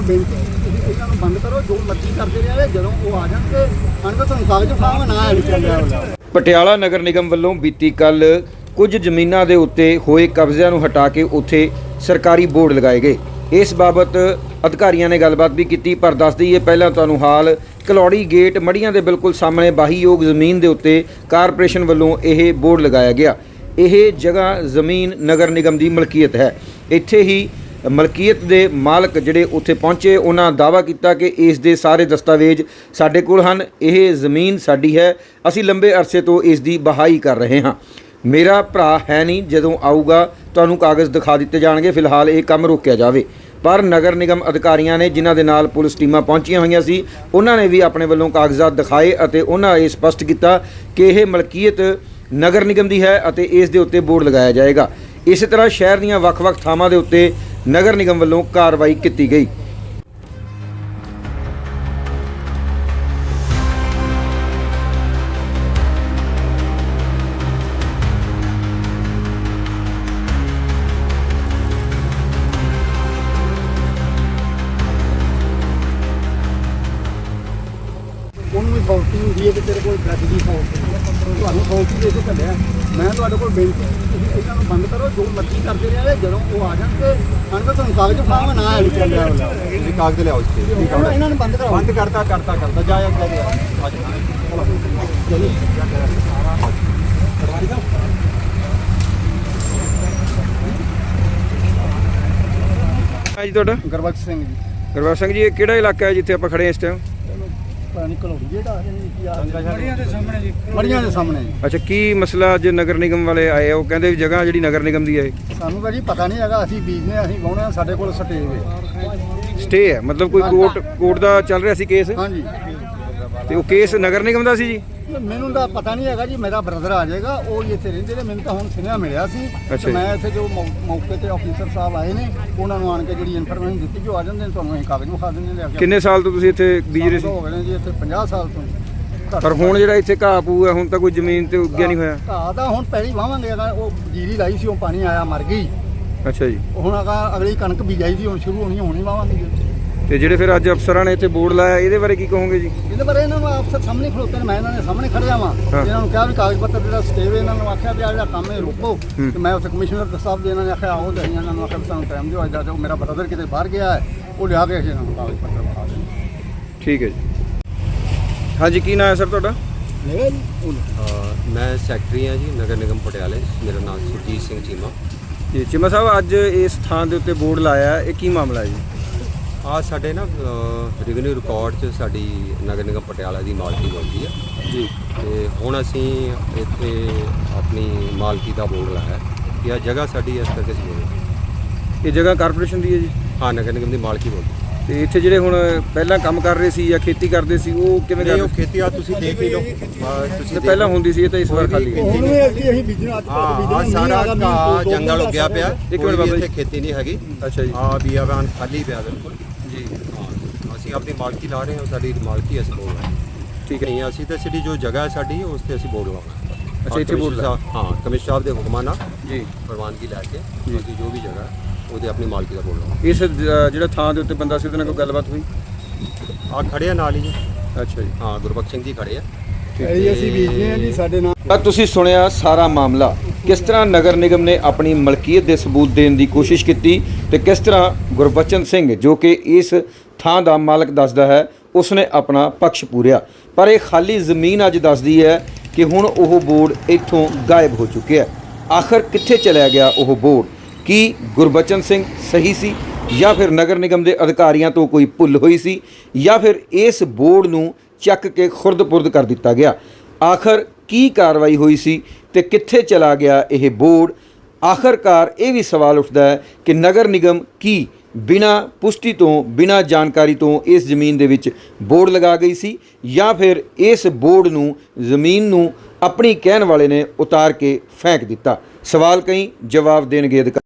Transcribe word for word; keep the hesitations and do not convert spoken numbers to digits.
कोई बेनती इन्हां नूं बंद करो, जो मर्जी करते रहे जदों वो आ जाणगे आण के तुहानूं कागज विखावांगे ना ऐड कर लिया। ਪਟਿਆਲਾ ਨਗਰ ਨਿਗਮ ਵੱਲੋਂ ਬੀਤੀ ਕੱਲ ਕੁਝ ਜ਼ਮੀਨਾਂ ਦੇ ਉੱਤੇ ਹੋਏ ਕਬਜ਼ਿਆਂ ਨੂੰ ਹਟਾ ਕੇ ਉੱਥੇ ਸਰਕਾਰੀ ਬੋਰਡ ਲਗਾਏ ਗਏ। ਇਸ ਬਾਬਤ ਅਧਿਕਾਰੀਆਂ ਨੇ ਗੱਲਬਾਤ ਵੀ ਕੀਤੀ, ਪਰ ਦੱਸ ਦਈਏ ਪਹਿਲਾਂ ਤੁਹਾਨੂੰ ਹਾਲ ਕਲੌੜੀ ਗੇਟ ਮੜੀਆਂ ਦੇ ਬਿਲਕੁਲ ਸਾਹਮਣੇ ਬਾਹੀਯੋਗ ਜ਼ਮੀਨ ਦੇ ਉੱਤੇ ਕਾਰਪੋਰੇਸ਼ਨ ਵੱਲੋਂ ਇਹ ਬੋਰਡ ਲਗਾਇਆ ਗਿਆ। ਇਹ ਜਗ੍ਹਾ ਜ਼ਮੀਨ ਨਗਰ ਨਿਗਮ ਦੀ ਮਲਕੀਅਤ ਹੈ। ਇੱਥੇ ਹੀ ਮਲਕੀਅਤ ਦੇ ਮਾਲਕ ਜਿਹੜੇ ਉੱਥੇ ਪਹੁੰਚੇ ਉਹਨਾਂ ਦਾਅਵਾ ਕੀਤਾ ਕਿ ਇਸ ਦੇ ਸਾਰੇ ਦਸਤਾਵੇਜ਼ ਸਾਡੇ ਕੋਲ ਹਨ, ਇਹ ਜ਼ਮੀਨ ਸਾਡੀ ਹੈ, ਅਸੀਂ ਲੰਬੇ ਅਰਸੇ ਤੋਂ ਇਸ ਦੀ ਬਹਾਈ ਕਰ ਰਹੇ ਹਾਂ। ਮੇਰਾ ਭਰਾ ਹੈ ਨਹੀਂ, ਜਦੋਂ ਆਊਗਾ ਤੁਹਾਨੂੰ ਕਾਗਜ਼ ਦਿਖਾ ਦਿੱਤੇ ਜਾਣਗੇ, ਫਿਲਹਾਲ ਇਹ ਕੰਮ ਰੋਕਿਆ ਜਾਵੇ। ਪਰ ਨਗਰ ਨਿਗਮ ਅਧਿਕਾਰੀਆਂ ਨੇ ਜਿਨ੍ਹਾਂ ਦੇ ਨਾਲ ਪੁਲਿਸ ਟੀਮਾਂ ਪਹੁੰਚੀਆਂ ਹੋਈਆਂ ਸੀ ਉਹਨਾਂ ਨੇ ਵੀ ਆਪਣੇ ਵੱਲੋਂ ਕਾਗਜ਼ਾਤ ਦਿਖਾਏ ਅਤੇ ਉਹਨਾਂ ਇਹ ਸਪਸ਼ਟ ਕੀਤਾ ਕਿ ਇਹ ਮਲਕੀਅਤ ਨਗਰ ਨਿਗਮ ਦੀ ਹੈ ਅਤੇ ਇਸ ਦੇ ਉੱਤੇ ਬੋਰਡ ਲਗਾਇਆ ਜਾਏਗਾ। ਇਸੇ ਤਰ੍ਹਾਂ ਸ਼ਹਿਰ ਦੀਆਂ ਵੱਖ-ਵੱਖ ਥਾਵਾਂ ਦੇ ਉੱਤੇ ਨਗਰ ਨਿਗਮ ਵੱਲੋਂ ਕਾਰਵਾਈ ਕੀਤੀ ਗਈ। ਉਹਨੂੰ ਵੀ ਫੌਲਟੀ ਹੁੰਦੀ ਹੈ ਕਿ ਤੇਰੇ ਕੋਲ ਡਰੱਗ ਦੀ ਫੌਲਟੀ ਤੁਹਾਨੂੰ ਫੌਲਟੀ ਦੇ ਕੇ ਚੱਲਿਆ। ਮੈਂ ਤੁਹਾਡੇ ਕੋਲ ਬੇਨਤੀ ਤੁਸੀਂ ਇਹਨਾਂ ਨੂੰ ਬੰਦ ਕਰੋ, ਜੋ ਮਰਜ਼ੀ ਕਰਦੇ ਰਹੇ ਜਦੋਂ ਉਹ ਆ ਜਾਣਗੇ ਆਣ ਕੇ ਤੁਹਾਨੂੰ ਕਾਗਜ਼ ਵਿਖਾਵਾਂਗੇ ਨਾ ਐਡ ਕਰ ਲਿਆ। ਤੁਸੀਂ ਕਾਗਜ਼ ਲਿਆਓ ਇਸ ਤੇ ਇਹਨਾਂ ਨੂੰ ਬੰਦ ਕਰਾਓ। ਬੰਦ ਕਰਤਾ ਕਰਤਾ ਕਰਤਾ ਜਾ ਜਾ ਜਾ ਜੀ ਤੁਹਾਡਾ? ਗੁਰਬਖਸ਼ ਸਿੰਘ ਜੀ। ਗੁਰਬਖਸ਼ ਸਿੰਘ ਜੀ, ਇਹ ਕਿਹੜਾ ਇਲਾਕਾ ਹੈ ਜਿੱਥੇ ਆਪਾਂ ਖੜੇ ਹਾਂ ਇਸ ਟਾਈਮ? ਕਲੌੜੀ ਜਿਹੜਾ ਮੜੀਆਂ ਦੇ ਸਾਹਮਣੇ ਜੀ। ਮੜੀਆਂ ਦੇ ਸਾਹਮਣੇ ਜੀ। ਅੱਛਾ, ਕੀ ਮਸਲਾ ਅੱਜ ਨਗਰ ਨਿਗਮ ਵਾਲੇ ਆਏ ਆ? ਉਹ ਕਹਿੰਦੇ ਵੀ ਜਗ੍ਹਾ ਜਿਹੜੀ ਨਗਰ ਨਿਗਮ ਦੀ ਹੈ ਸਾਨੂੰ ਤਾਂ ਜੀ ਪਤਾ ਨਹੀਂ ਹੈਗਾ, ਅਸੀਂ ਬੀਜਨੇ ਅਸੀਂ ਵਾਹੁਣੇ, ਸਾਡੇ ਕੋਲ ਸਟੇ ਹੈ। ਸਟੇ ਹੈ ਮਤਲਬ ਕੋਈ ਕੋਰਟ ਕੋਰਟ ਦਾ ਚੱਲ ਰਿਹਾ ਸੀ ਕੇਸ? ਹਾਂਜੀ। ਤੇ ਉਹ ਕੇਸ ਨਗਰ ਨਿਗਮ ਦਾ ਸੀ ਜੀ? ਮੈਨੂੰ ਤਾਂ ਪਤਾ ਨਹੀਂ ਹੈਗਾ ਜੀ, ਮੇਰਾ ਬ੍ਰਦਰ ਆ ਜਾਏਗਾ, ਉਹ ਇੱਥੇ ਰਹਿੰਦੇ ਨੇ, ਮੈਨੂੰ ਤਾਂ ਹੁਣ ਸੁਨੇਹਾ ਮਿਲਿਆ ਸੀ। ਅੱਛਾ। ਮੈਂ ਇੱਥੇ ਜੋ ਮੌ- ਮੌਕੇ ਤੇ ਆਫੀਸਰ ਸਾਹਿਬ ਆਏ ਨੇ ਉਹਨਾਂ ਨੂੰ ਆਣ ਕੇ ਜਿਹੜੀ ਇਨਫੋਰਮੇਸ਼ਨ ਦਿੱਤੀ ਕਿ ਉਹ ਆ ਜਾਂਦੇ ਨੇ, ਤੁਹਾਨੂੰ ਅਸੀਂ ਕਾਗਜ਼ ਵਿਖਾ ਦਿੰਦੇ ਨੇ। ਕਿੰਨੇ ਸਾਲ ਤੋਂ ਤੁਸੀਂ ਇੱਥੇ ਬੀਜ ਰਹੇ ਸੀ? ਹੋ ਗਏ ਨੇ ਜੀ ਇੱਥੇ ਪੰਜਾਹ ਸਾਲ ਤੋਂ। ਪਰ ਹੁਣ ਜਿਹੜਾ ਇੱਥੇ ਘਾਹ ਪੂ ਹੈ ਹੁਣ ਤਾਂ ਕੋਈ ਜ਼ਮੀਨ ਤੇ ਉੱਗਿਆ ਨਹੀਂ ਹੋਇਆ? ਘਾਹ ਤਾਂ ਹੁਣ ਪਹਿਲੀ ਵਾਵਾਂਗੇ, ਉਹ ਜੀਰੀ ਲਾਈ ਸੀ, ਉਹ ਪਾਣੀ ਆਇਆ ਮਰ ਗਈ। ਅੱਛਾ ਜੀ। ਹੁਣ ਅਗਾ ਅਗਲੀ ਕਣਕ ਬੀਜਾਈ ਸੀ, ਹੁਣ ਸ਼ੁਰੂ ਹੋਣੀ ਹੋਣੀ ਵਾਵਾਂਗੇ ਜੀ। ਤੇ ਜਿਹੜੇ ਫਿਰ ਅੱਜ ਅਫਸਰਾਂ ਨੇ ਇੱਥੇ ਬੋਰਡ ਲਾਇਆ ਇਹਦੇ ਬਾਰੇ ਕੀ ਕਹੋਗੇ ਜੀ? ਇਹਦੇ ਬਾਰੇ ਇਹਨਾਂ ਨੂੰ ਅਫਸਰ ਸਾਹਮਣੇ ਖਲੋਤੇ ਨੇ, ਮੈਂ ਇਹਨਾਂ ਦੇ ਸਾਹਮਣੇ ਖੜਿਆ ਵਾਂ। ਇਹਨਾਂ ਨੂੰ ਕਿਹਾ ਵੀ ਕਾਗਜ਼ ਪੱਤਰ ਜਿਹੜਾ ਸਟੇਵੇ ਇਹਨਾਂ ਨੂੰ ਆਖਿਆ ਵੀ ਆ ਜਿਹੜਾ ਕੰਮ ਇਹ ਰੋਕੋ। ਤੇ ਮੈਂ ਉੱਥੇ ਕਮਿਸ਼ਨਰ ਸਾਹਿਬ ਦੇ ਇਹਨਾਂ ਨੇ ਆਖਿਆ ਆਓ ਜਾਈਆਂ, ਇਹਨਾਂ ਨੂੰ ਆਖਿਆ ਵੀ ਸਾਨੂੰ ਟਾਈਮ ਦਿਓ, ਅੱਜ ਜਾਓ, ਮੇਰਾ ਬ੍ਰਦਰ ਕਿਤੇ ਬਾਹਰ ਗਿਆ ਹੈ, ਉਹ ਲਿਆ ਕੇ ਅਸੀਂ ਇਹਨਾਂ ਨੂੰ ਕਾਗਜ਼ ਪੱਤਰ ਵਿਖਾ ਦੇਣੇ। ਠੀਕ ਹੈ ਜੀ। ਹਾਂਜੀ, ਕੀ ਨਾਮ ਹੈ ਸਰ ਤੁਹਾਡਾ? ਮੇਰਾ ਜੀ ਮੈਂ ਸੈਕਟਰੀ ਹਾਂ ਜੀ ਨਗਰ ਨਿਗਮ ਪਟਿਆਲੇ। ਮੇਰਾ ਨਾਮ ਸੁਰਜੀਤ ਸਿੰਘ ਚੀਮਾ ਜੀ। ਚੀਮਾ ਸਾਹਿਬ, ਅੱਜ ਇਸ ਥਾਂ ਦੇ ਉੱਤੇ ਬੋਰਡ ਲਾਇਆ, ਇਹ ਕੀ ਮਾਮਲਾ ਹੈ ਜੀ? ਆ ਸਾਡੇ ਨਾ ਰੈਵਨਿਊ ਰਿਕਾਰਡ 'ਚ ਸਾਡੀ ਨਗਰ ਨਿਗਮ ਪਟਿਆਲਾ ਦੀ ਮਾਲਕੀ ਬਣਦੀ ਹੈ ਜੀ। ਤੇ ਹੁਣ ਅਸੀਂ ਇੱਥੇ ਆਪਣੀ ਮਾਲਕੀ ਦਾ ਬੋਰਡ ਲਾਇਆ ਕਿ ਆ ਜਗ੍ਹਾ ਸਾਡੀ ਇਸ ਕਰਕੇ ਸੀ। ਇਹ ਜਗ੍ਹਾ ਕਾਰਪੋਰੇਸ਼ਨ ਦੀ ਹੈ ਜੀ? ਹਾਂ, ਨਗਰ ਨਿਗਮ ਦੀ ਮਾਲਕੀ ਬਣਦੀ। ਤੇ ਇੱਥੇ ਜਿਹੜੇ ਹੁਣ ਪਹਿਲਾਂ ਕੰਮ ਕਰ ਰਹੇ ਸੀ ਜਾਂ ਖੇਤੀ ਕਰਦੇ ਸੀ ਉਹ ਕਿਵੇਂ ਨਹੀਂ, ਕਰਦੇ? ਉਹ ਖੇਤੀ ਆ ਤੁਸੀਂ ਦੇਖ ਹੀ ਲਓ, ਤੁਸੀਂ ਪਹਿਲਾਂ ਹੁੰਦੀ ਸੀ, ਇਹ ਤਾਂ ਇਸ ਵਾਰ ਖਾਲੀ ਹੈ। ਹੁਣ ਵੀ ਅਸੀਂ ਅਸੀਂ ਬੀਜਣਾ ਅੱਜ ਹਾਂ, ਸਾਰਾ ਘਾਹ ਜੰਗਲ ਉੱਗਿਆ ਪਿਆ, ਇੱਕ ਕੋਈ ਮਿੰਟ ਵੀ ਬਾਬਾ ਇੱਥੇ ਖੇਤੀ ਨਹੀਂ ਹੈਗੀ। ਅੱਛਾ ਜੀ। ਹਾਂ, ਬੀਆਬਾਨ ਖਾਲੀ ਪਿਆ ਬਿਲਕੁਲ ਜੀ। ਹਾਂ, ਅਸੀਂ ਆਪਣੀ ਮਾਲਕੀ ਲਾ ਰਹੇ ਹਾਂ, ਸਾਡੀ ਮਾਲਕੀ ਅਸੀਂ ਬੋਲ ਰਹੇ ਹਾਂ। ਠੀਕ ਹੈ। ਨਹੀਂ, ਅਸੀਂ ਤਾਂ ਸਿਟੀ ਜੋ ਜਗ੍ਹਾ ਹੈ ਸਾਡੀ ਉਸ ਤੇ ਅਸੀਂ ਬੋਰਡ ਲਾਵਾਂਗੇ। ਅੱਛਾ, ਇੱਥੇ ਬੋਰਡ ਲਾ? ਹਾਂ, ਕਮਿਸ਼ਨਰ ਸਾਹਿਬ ਦੇ ਹੁਕਮਾਂ ਨਾਲ ਜੀ ਪ੍ਰਵਾਨਗੀ ਲੈ ਕੇ ਅਸੀਂ ਜੋ ਵੀ ਜਗ੍ਹਾ ਹੈ ਉਹਦੇ ਆਪਣੀ ਮਾਲਕੀ ਦਾ ਬੋਰਡ ਲਾਵਾਂਗੇ। ਇਸ ਅ, ਜਿਹੜਾ ਥਾਂ ਦੇ ਉੱਤੇ ਬੰਦਾ ਸੀ ਉਹਦੇ ਨਾਲ ਕੋਈ ਗੱਲਬਾਤ ਹੋਈ? ਆ ਖੜੇ ਆ ਨਾਲ ਹੀ ਜੀ। ਅੱਛਾ ਜੀ। ਹਾਂ, ਗੁਰਬਖਸ਼ ਸਿੰਘ ਜੀ ਖੜੇ ਆ। ਇਹ ਅਸੀਂ ਬੀਜਦੇ ਹਾਂ ਜੀ, ਸਾਡੇ ਨਾਲ। ਤਾਂ ਤੁਸੀਂ ਸੁਣਿਆ ਸਾਰਾ ਮਾਮਲਾ, ਕਿਸ ਤਰ੍ਹਾਂ ਨਗਰ ਨਿਗਮ ਨੇ ਆਪਣੀ ਮਲਕੀਅਤ ਦੇ ਸਬੂਤ ਦੇਣ ਦੀ ਕੋਸ਼ਿਸ਼ ਕੀਤੀ ਤੇ ਕਿਸ ਤਰ੍ਹਾਂ ਗੁਰਬਚਨ ਸਿੰਘ ਜੋ ਕਿ ਇਸ ਥਾਂ ਦਾ ਮਾਲਕ ਦੱਸਦਾ ਹੈ ਉਸਨੇ ਆਪਣਾ ਪੱਖ ਪੂਰਿਆ। ਪਰ ਇਹ ਖਾਲੀ ਜ਼ਮੀਨ ਅੱਜ ਦੱਸਦੀ ਹੈ ਕਿ ਹੁਣ ਉਹ ਬੋਰਡ ਇੱਥੋਂ ਗਾਇਬ ਹੋ ਚੁੱਕਿਆ। ਆਖਰ ਕਿੱਥੇ ਚਲਿਆ ਗਿਆ ਉਹ ਬੋਰਡ? ਕੀ ਗੁਰਬਚਨ ਸਿੰਘ ਸਹੀ ਸੀ ਜਾਂ ਫਿਰ ਨਗਰ ਨਿਗਮ ਦੇ ਅਧਿਕਾਰੀਆਂ ਤੋਂ ਕੋਈ ਭੁੱਲ ਹੋਈ ਸੀ ਜਾਂ ਫਿਰ ਇਸ ਬੋਰਡ ਨੂੰ ਚੱਕ ਕੇ ਖੁਰਦ-ਪੁਰਦ ਕਰ ਦਿੱਤਾ ਗਿਆ? ਆਖਰ ਕੀ ਕਾਰਵਾਈ ਹੋਈ ਸੀ ਤੇ ਕਿੱਥੇ ਚਲਾ ਗਿਆ ਇਹ ਬੋਰਡ? ਆਖਰਕਾਰ ਇਹ ਵੀ ਸਵਾਲ ਉੱਠਦਾ ਹੈ ਕਿ ਨਗਰ ਨਿਗਮ ਕੀ ਬਿਨਾਂ ਪੁਸ਼ਟੀ ਤੋਂ ਬਿਨਾਂ ਜਾਣਕਾਰੀ ਤੋਂ ਇਸ ਜ਼ਮੀਨ ਦੇ ਵਿੱਚ ਬੋਰਡ ਲਗਾ ਗਈ ਸੀ ਜਾਂ ਫਿਰ ਇਸ ਬੋਰਡ ਨੂੰ ਜ਼ਮੀਨ ਨੂੰ ਆਪਣੀ ਕਹਿਣ ਵਾਲੇ ਨੇ ਉਤਾਰ ਕੇ ਫੈਂਕ ਦਿੱਤਾ? ਸਵਾਲ ਕਈ, ਜਵਾਬ ਦੇਣਗੇ ਅਧਿਕਾਰੀ।